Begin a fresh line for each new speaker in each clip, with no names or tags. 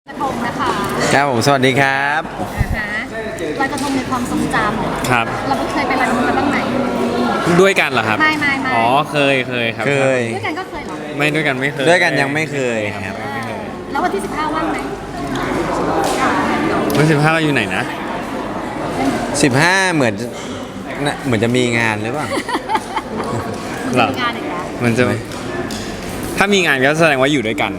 กระทงนะคะ
ครับผมสวัสดีครับ
ลอยกระทงในความทรงจำ
ครับ
เราเคยไปลอยกระทงกันบ้างไหม
ด้วยกันเหรอครับ
ไม่
อ๋อเคยครับ
เคย
ด้วยกันก็เคยเหรอ
ไม่ด้วยกันไม่เคย
ด้วยกันยังไม่เคยครับ
แล้ววันที่15ว่างไหม
วัน15เราอยู่ไหนนะ
15เหมือนจะมีงานหรือเปล่า
เหรอ
มีงานอีกแล้ว
มันจะถ้ามีงานก็แสดงว่าอยู่ด้วยกัน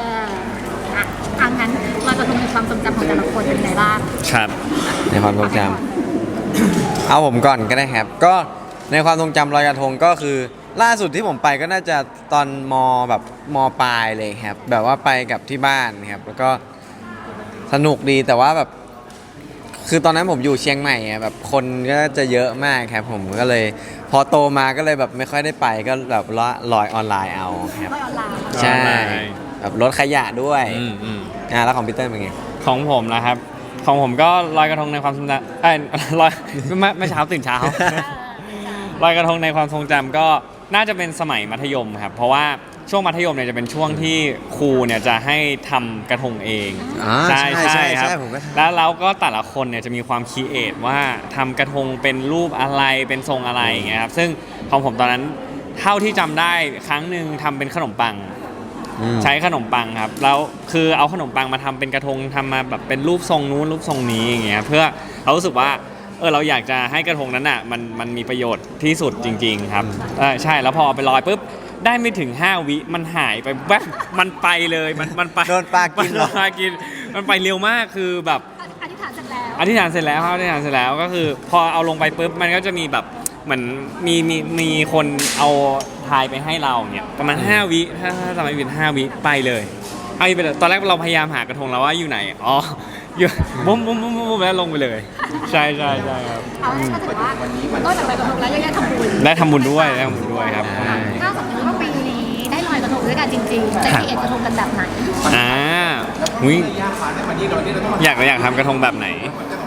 งั้นลอยกระทงในความทรงจำของแต่ละคนเป็นไงบ้าง
ครับ
ในความทรงจำเอาผมก่อนก็ได้ครับ ก็ในความทรงจำลอยกระทงก็คือ ล่าสุดที่ผมไปก็น่าจะตอนแบบมปลายเลยครับ แบบว่าไปกับที่บ้านครับ แล้วก็สนุกดีแต่ว่าแบบ คือตอนนั้นผมอยู่เชียงใหม่อะแบบคนก็จะเยอะมากครับ ผมก็เลย พอโตมาก็เลยแบบไม่ค่อยได้ไปก็แบบลอยออนไลน์เอาครับ
ลอยออนไลน์
ใช่
ออนไลน์
แบบลดขยะด้วย
อืม
แล้วของพีเตอร์เป็นไง
ของผมนะครับ ของผมก็ลอยกระทงในความทรงจำลอยไม่เช้าตื่นเช้า ลอยกระทงในความทรงจำก็น่าจะเป็นสมัยมัธยมครับ เพราะว่าช่วงมัธยมเนี่ยจะเป็นช่วงที่ครูเนี่ยจะให้ทำกระทงเอง
ใช่ใช่
ครับ
ผมก็ทำ
แล้วเราก็แต่ละคนเนี่ยจะมีความคิดเอทว่าทำกระทงเป็นรูปอะไรเป็นทรงอะไรอย่างเงี้ยครับซึ่งของผมตอนนั้นเท่าที่จำได้ครั้งหนึ่งทำเป็นขนมปัง ใช้ขนมปังครับแล้วคือเอาขนมปังมาทำเป็นกระทงทำมาแบบเป็นรูปทรงนู้นรูปทรงนี้อย่างเงี้ยเพื่อเรารู้สึกว่าเราอยากจะให้กระทงนั้นอ่ะมันมีประโยชน์ที่สุดจริง ๆ ครับใช่แล้วพอเอาไปลอยปุ๊บได้ไม่ถึง5 วิมันหายไปแวบมันไปเลยมันไป
โดนปลากินเหรอ
โดปลากินมันไปเร็วมากคือแบบ
อธิษฐานเสร็จแล้ว
อธิษฐานเสร็จแล้วครับอธิษฐานเสร็จแล้วก็คือ พอเอาลงไปปุ๊บมันก็จะมีแบบเหมือนมีคนเอาทายไปให้เราเนี่ยประมาณ5 วิถ้าจำไม่ผิด5 วิไปเลยเอาไปเลยตอนแรกเราพยายามหากระทงแล้วว่าอยู่ไหนอ๋ออยู่บุ้มแล้วลงไปเลย ใช่ครับ
เอาก็ถือว่านอกจากลอยกระทงแล้วยังได้ทำบุญ
ได้ทำบุญด้วยครับ
ถ้าสมมติว่าปีนี้ได้ลอยกระทงด้วยกันจริงๆจะเขียนกระทงกันแบบไหน
หุยอยากทำกระทงแบบไหน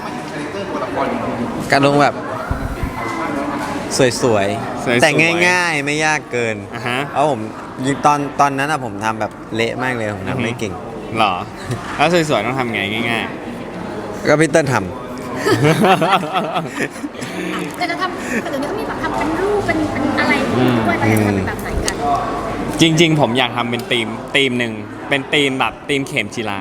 กระทงแบบสวย
สวยๆ
แต่ง่ายๆไม่ยากเกิน
อ่าฮะ
เพราะผมตอนนั้นอะผมทำแบบเละมากเลยผมทำไม่เก่ง
หรอแล้วสวยๆต้องทำไงง่าย
ก็พีเตอร์ท
แต่จะทำแต่เดี๋ยวนี้ก็มีแบบทำเป็นรูปเป็นอะไรด้วยเราจะทำเป็นแบบไหนกัน
จริงๆ ผมอยากทำเป็นธีมหนึ่งเป็นธีมแบบธีมเข็มจีรา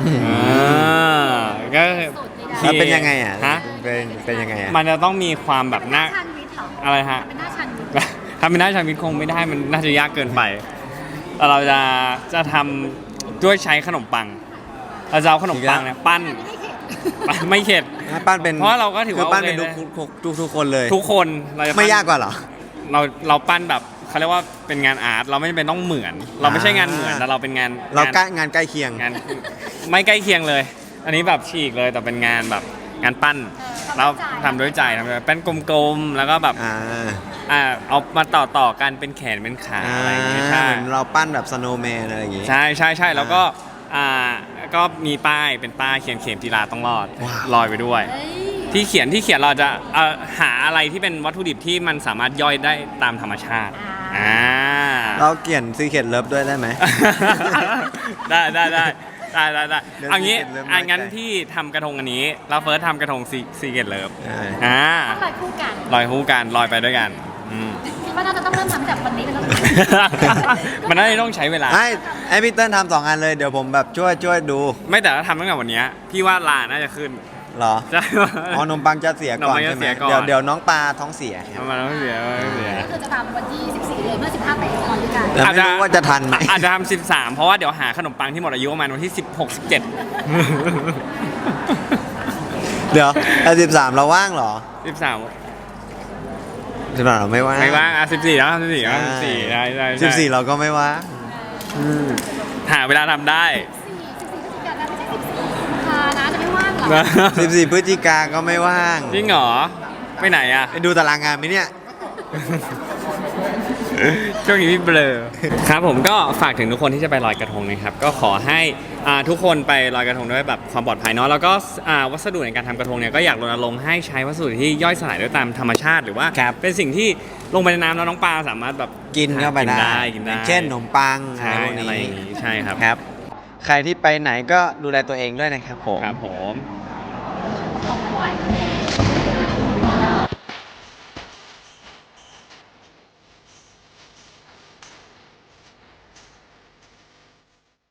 ก็
ำแล้วเป็นยังไงอ่ะ
ฮะ
เป็นยังไงอ่ะ
มันจะต้องมีความแบบหน้า
ชันวิทย์เหรอ
อะไรฮะ
เป็นหน้าชันวิทย์
ทำเป็นหน้าชาวิทคงไม่ได้มันน่าจะยากเกินไปแต่เราจะทำด้วยใช้ขนมปังเราจะเอาขนมปังเนี่ยปั้นไม่เข็ด
ปั้นเป็น
เพราะเราก็ถือว่า
คือปั้นเป็น
โอเค
ทุกคนเลย
ทุกคนเราจะปั้น
ไม่ยากกว่าเหรอ
เราปั้นแบบเขาเรียกว่าเป็นงานอาร์ตเราไม่จำเป็นต้องเหมือน เราไม่ใช่งานเหมือนแต่เราเป็นงาน
เราใกล้งานใกล้เคียง
งานไม่ใกล้เคียงเลย อันนี้แบบฉีกเลยแต่เป็นงานแบบงานปั้นเราทำด้วยใจทำด้วยเป็นกลมๆแล้วก็แบบ เอามาต่อกันเป็นแขนเป็นขาอะไรอย่างเงี้ยใช่
เหมือนเราปั้นแบบสโนว์แมนอะไรอย่างงี้
ใช่แล้วก็ก็มีป้ายเป็นป้ายเขียนเข็มจีราต้องรอด
ว้าว
ลอยไปด้วย
เฮ้ย
ที่เขียนเราจะหาอะไรที่เป็นวัตถุดิบที่มันสามารถย่อยได้ตามธรรมชาติ
เราเขียนซีเขียนเลิฟด้วยได้ไหม
ได้
เดี๋ยว
เอางี้
Secret Love น้อยใจ
งั้นพี่ทำกระทงอันนี้เราเฟิร์สทำกระทงซีเกตเลิฟ
ต้องลอยคู่กัน
ลอยคู่กันลอยไปด้วยกัน
คิดว่าน่าจะต้องเริ่มทำจากวันนี้เป็นต้นไป
มันน่าจะต้องใช้เวลา
ให้พี่เติ้ลทำ2 อันเลยเดี๋ยวผมแบบช่วยดู
ไม่แต่ถ้าทำตั้งแต่วันเนี้ยพี่ว่าลาน่าจะขึ้น
เหรอ
ใช่
อ๋อนมปังจะเสียก่อน
นมปังจะ
ใช่ไหม
เสียก่อน
เดี๋ยวน้องปลาท้องเสียครับ
มันต้องเสีย
ก็คือจะทำวันที่14เลยเมื่อ15ไปลอยด้วยกัน
แต่ไม่รู้ว่าจะทันไหม
อาจจะทำ13 เพราะว่าเดี๋ยวหาขนมปังที่หมดอายุประมาณวันที่ 16 17
เดี๋ยว13เราว่างเหรอ
13
13เราไม่ว่าง
ไม่ว่าง14แล้ว14แล้ว14ได้
14เราก็ไม่ว่าง
หาเวลาทำได้
14กันนะไม่ใช่14นะจะไม่ว่างเหรอ
14พฤศจิกาก็ไม่ว่าง
จริงเหรอไปไหนอะ
ไปดูตารางงานไหมเนี่ย
ช่วงนี้พี่เบลอครับผมก็ฝากถึงทุกคนที่จะไปลอยกระทงนะครับก็ขอให้ทุกคนไปลอยกระทงด้วยแบบความปลอดภัยเนาะแล้วก็วัสดุในการทำกระทงเนี่ยก็อยากรณรงค์ให้ใช้วัสดุที่ย่อยสลายด้วยตามธรรมชาติหรือว่าเป็นสิ่งที่ลงไปในน้ำแล้วน้องปลาสามารถแบบ
กินเข้าไปได้
กินได้
เช่นขนมปัง
ใช่
อะไรพวก
อะไร
นี้
อย่างนี้ใช่ครับ
ครับใครที่ไปไหนก็ดูแลตัวเองด้วยนะครับผม
ครับผม
ของหวาน